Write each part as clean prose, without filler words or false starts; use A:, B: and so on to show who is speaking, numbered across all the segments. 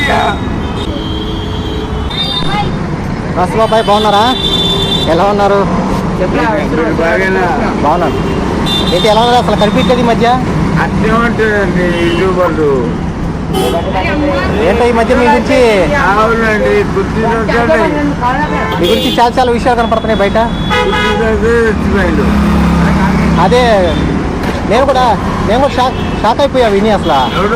A: బాబాయ్ బాగున్నారా? ఎలా ఉన్నారు? బాగున్నాను. ఏంటి ఎలా ఉన్నారు? అసలు కనిపించలేదు ఈ మధ్య.
B: అట్లే ఉంటుందండి యూట్యూబర్లు.
A: ఏంటో ఈ మధ్య మీ గురించి
B: అవునండి,
A: మీ గురించి చాలా చాలా విషయాలు కనపడుతున్నాయి బయట.
B: చచ్చిపోయిండు.
A: అదే నేను కూడా షాక్ అయిపోయా విని అసలు.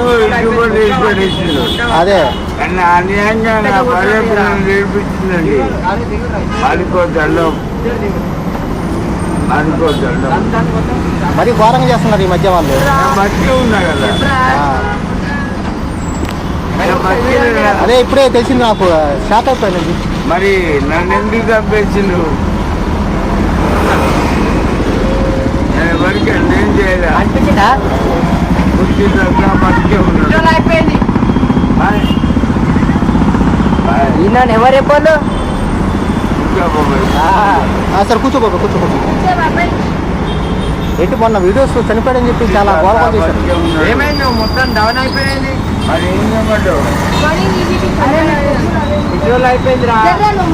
A: అదే
B: అన్యాయంగా నా భార్య పిల్లలు నేర్పించిందండి.
A: మరి ఘోరంగా చేస్తున్నారు ఈ మధ్య వాళ్ళు.
B: మట్టి ఉన్నా కదా,
A: అదే ఇప్పుడే తెలిసింది నాకు, షాక్ అయిపోయింది.
B: మరి నన్ను ఎందుకు చంపేసిండు? ఎవరికి ఏం చేయాలి?
A: అనిపించిందా?
B: బతికే ఉన్నాడు.
A: ఈయన ఎవరు చెప్పారు? సరే కూర్చోబోక కూర్చోబోక. ఏంటి మొన్న వీడియోస్ చనిపోయాడని చెప్పి చాలా గౌరవం చేశారు.
B: ఏమైంది? మొత్తం డౌన్ అయిపోయింది. మరి ఏం చేయమంటావు?
A: వీడియోలు అయిపోయింది రా.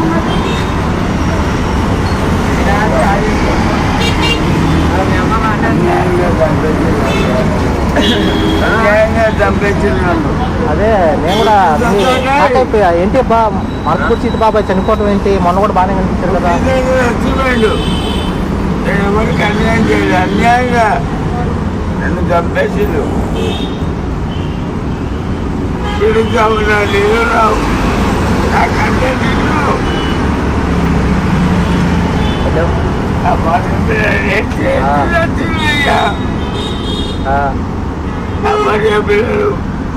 A: అదే నేను కూడా షాక్ అయిపోయా. ఏంటి మనస్ఫూర్తి బాబాయ్ చనిపోవటం ఏంటి? మొన్న కూడా బాగానే కనిపించారు కదా.
B: ఎవరికి అన్యాయం చేయలేదు, అన్యాయంగా నన్ను చంపేసిండు. తిరుగుతా ఉన్నా నేను రావు, నాకంటే నిన్ను పిల్లలు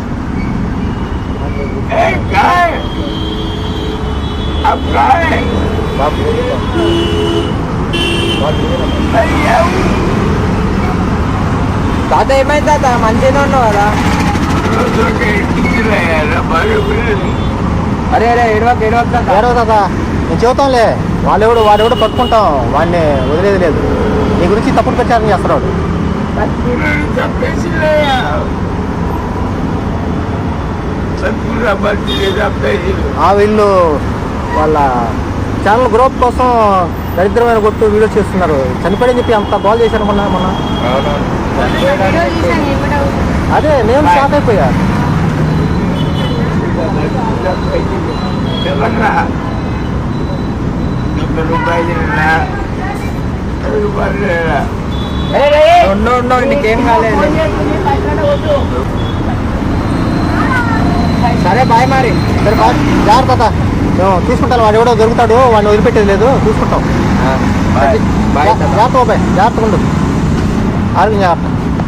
A: తాత ఏమైంది తాత? మంచిగానే ఉన్నావు కదా? అరే అరే ఏడవక తాత, నేను చెబుతాంలే. వాడెవడో పట్టుకుంటాం, వాడిని వదిలేదు లేదు. నీ గురించి తప్పుడు ప్రచారం చేస్తున్నాడు. వీళ్ళు వాళ్ళ ఛానల్ గ్రోత్ కోసం దరిద్రమైన కొట్టు వీడియో చేస్తున్నారు. చనిపోయని చెప్పి అంత బాల్ చేశారు మొన్న. అదే నేను షాక్ అయిపోయా. నీకేం కాలేదు. సరే బాయ్ మరి. సరే బాయ్, జాగ్రత్త. మేము చూసుకుంటాను. వాడు ఎవడో దొరుకుతాడు, వాడిని వదిలిపెట్టేది లేదు, చూసుకుంటాం. జాగ్రత్త బాబాయ్, జాగ్రత్తగా ఉండు. ఆరోగ్యం జాగ్రత్త.